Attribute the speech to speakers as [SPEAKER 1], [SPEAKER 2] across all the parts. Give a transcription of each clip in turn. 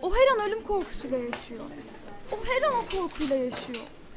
[SPEAKER 1] O her an ölüm korkusuyla yaşıyor. O her an o korkuyla yaşıyor.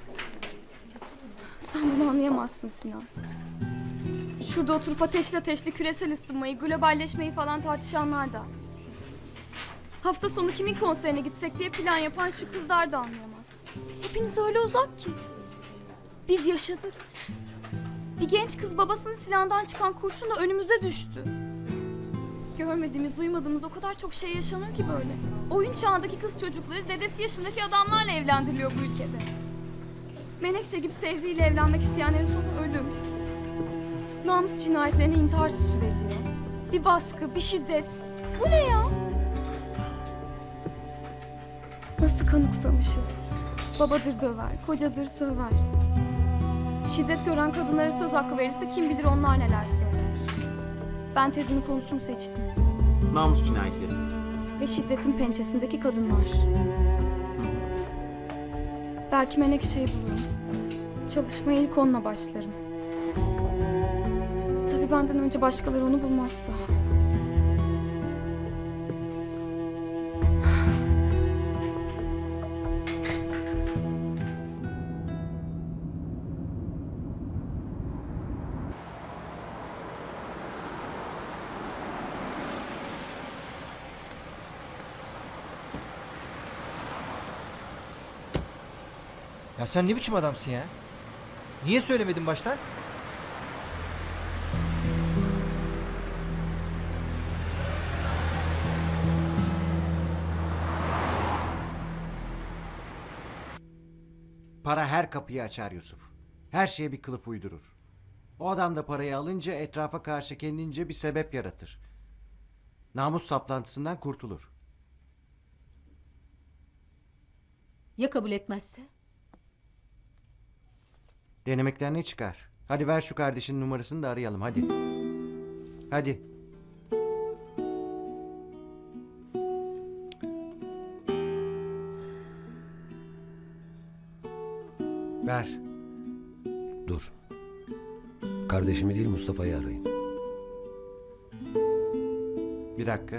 [SPEAKER 1] Sen bunu anlayamazsın Sinan. Şurada oturup ateşli küresel ısınmayı, globalleşmeyi falan tartışanlar da. Hafta sonu kimin konserine gitsek diye plan yapan şu kızlar da anlayamaz. Hepiniz öyle uzak ki. Biz yaşadık. Bir genç kız babasının silahından çıkan kurşunla önümüze düştü. Görmediğimiz, duymadığımız o kadar çok şey yaşanıyor ki böyle. Oyun çağındaki kız çocukları dedesi yaşındaki adamlarla evlendiriliyor bu ülkede. Menekşe gibi sevdiğiyle evlenmek isteyenlerin sonu ölüm. Namus cinayetlerine intihar süsü veriliyor. Bir baskı, bir şiddet. Bu ne ya? Nasıl kanıksamışız. Babadır döver, kocadır söver. Şiddet gören kadınlara söz hakkı verirse kim bilir onlar neler söyler. Ben tezimin konusunu seçtim.
[SPEAKER 2] Namus cinayetleri.
[SPEAKER 1] Ve şiddetin pençesindeki kadınlar. Belki Menekşe'yi bulurum. Çalışmaya ilk onunla başlarım. Tabii benden önce başkaları onu bulmazsa.
[SPEAKER 3] Ya sen ne biçim adamsın ya? Niye söylemedin baştan?
[SPEAKER 2] Para her kapıyı açar Yusuf. Her şeye bir kılıf uydurur. O adam da parayı alınca etrafa karşı kendince bir sebep yaratır. Namus saplantısından kurtulur.
[SPEAKER 4] Ya kabul etmezse?
[SPEAKER 2] Denemekten ne çıkar? Hadi ver şu kardeşinin numarasını da arayalım hadi. Hadi. Ver.
[SPEAKER 5] Dur. Kardeşimi değil Mustafa'yı arayın.
[SPEAKER 2] Bir dakika.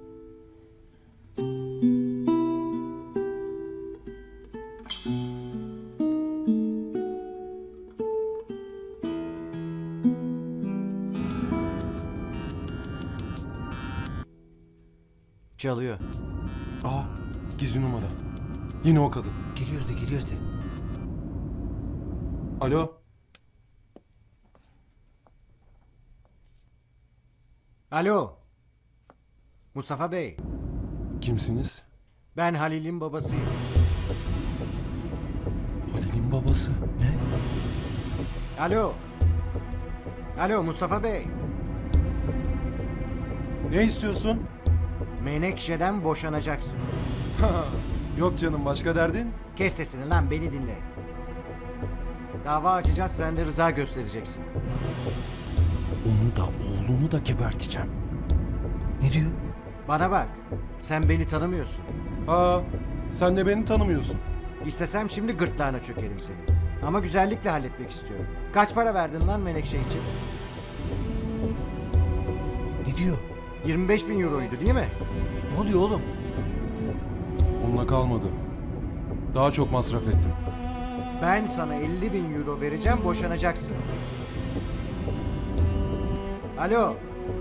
[SPEAKER 2] Çalıyor.
[SPEAKER 6] Aa, gizli numara. Yine o kadın.
[SPEAKER 3] Geliyoruz de.
[SPEAKER 6] Alo,
[SPEAKER 2] Alo. Mustafa Bey.
[SPEAKER 6] kimsiniz?
[SPEAKER 2] Ben Halil'in babasıyım.
[SPEAKER 6] Halil'in babası.
[SPEAKER 3] Ne?
[SPEAKER 2] Alo. Alo Mustafa Bey.
[SPEAKER 6] Ne istiyorsun?
[SPEAKER 2] Menekşe'den boşanacaksın.
[SPEAKER 6] Yok canım, başka derdin?
[SPEAKER 2] Kes sesini lan, beni dinle. Dava açacağız, sen de rıza göstereceksin.
[SPEAKER 6] Onu da oğlunu da geberteceğim.
[SPEAKER 3] Ne diyor?
[SPEAKER 2] Bana bak, sen beni tanımıyorsun.
[SPEAKER 6] Ha, sen de beni tanımıyorsun.
[SPEAKER 2] İstesem şimdi gırtlağına çökerim seni. Ama güzellikle halletmek istiyorum. Kaç para verdin lan Menekşe için?
[SPEAKER 3] Ne diyor?
[SPEAKER 2] 25.000 euroydu değil mi?
[SPEAKER 3] Ne oluyor oğlum?
[SPEAKER 6] Onunla kalmadı. Daha çok masraf ettim.
[SPEAKER 2] Ben sana 50.000 euro vereceğim, boşanacaksın. Alo.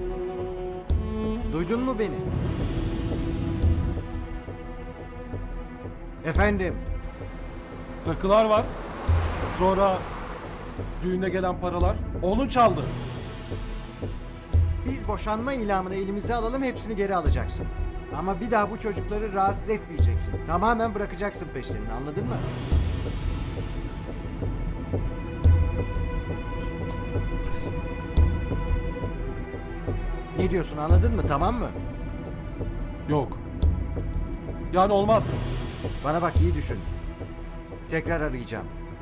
[SPEAKER 2] Duydun mu beni? Efendim?
[SPEAKER 6] Takılar var. Sonra düğüne gelen paralar. Onu çaldı.
[SPEAKER 2] Biz boşanma ilamını elimize alalım, hepsini geri alacaksın. Ama bir daha bu çocukları rahatsız etmeyeceksin. Tamamen bırakacaksın peşlerini, anladın mı? Ne diyorsun, anladın mı, tamam mı?
[SPEAKER 6] Yok. Yani olmaz.
[SPEAKER 2] Bana bak, iyi düşün. Tekrar arayacağım.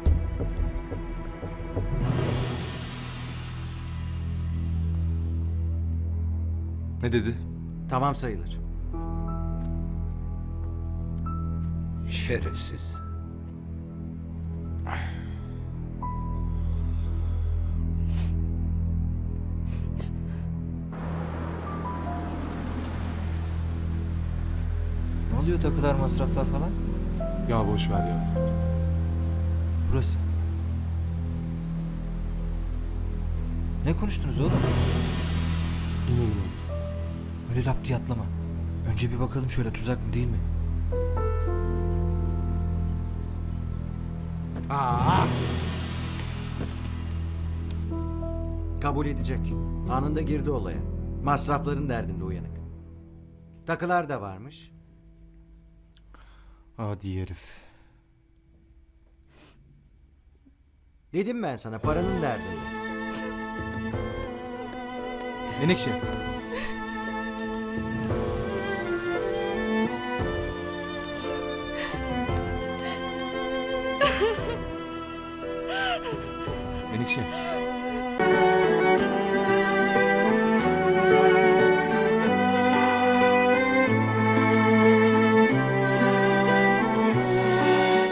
[SPEAKER 6] Ne dedi?
[SPEAKER 2] Tamam sayılır.
[SPEAKER 5] Şerefsiz.
[SPEAKER 3] Ne oluyor takılar masraflar falan?
[SPEAKER 6] Ya boş ver ya.
[SPEAKER 3] Burası. Ne konuştunuz oğlum?
[SPEAKER 6] İnelim hadi.
[SPEAKER 3] Öyle lap diye atlama. Önce bir bakalım şöyle tuzak mı değil mi?
[SPEAKER 2] Kabul edecek. Anında girdi olaya. Masrafların derdinde uyanık. Takılar da varmış.
[SPEAKER 6] Hadi herif.
[SPEAKER 2] Dedim ben sana paranın derdinde.
[SPEAKER 6] Menekşe. Menekşe.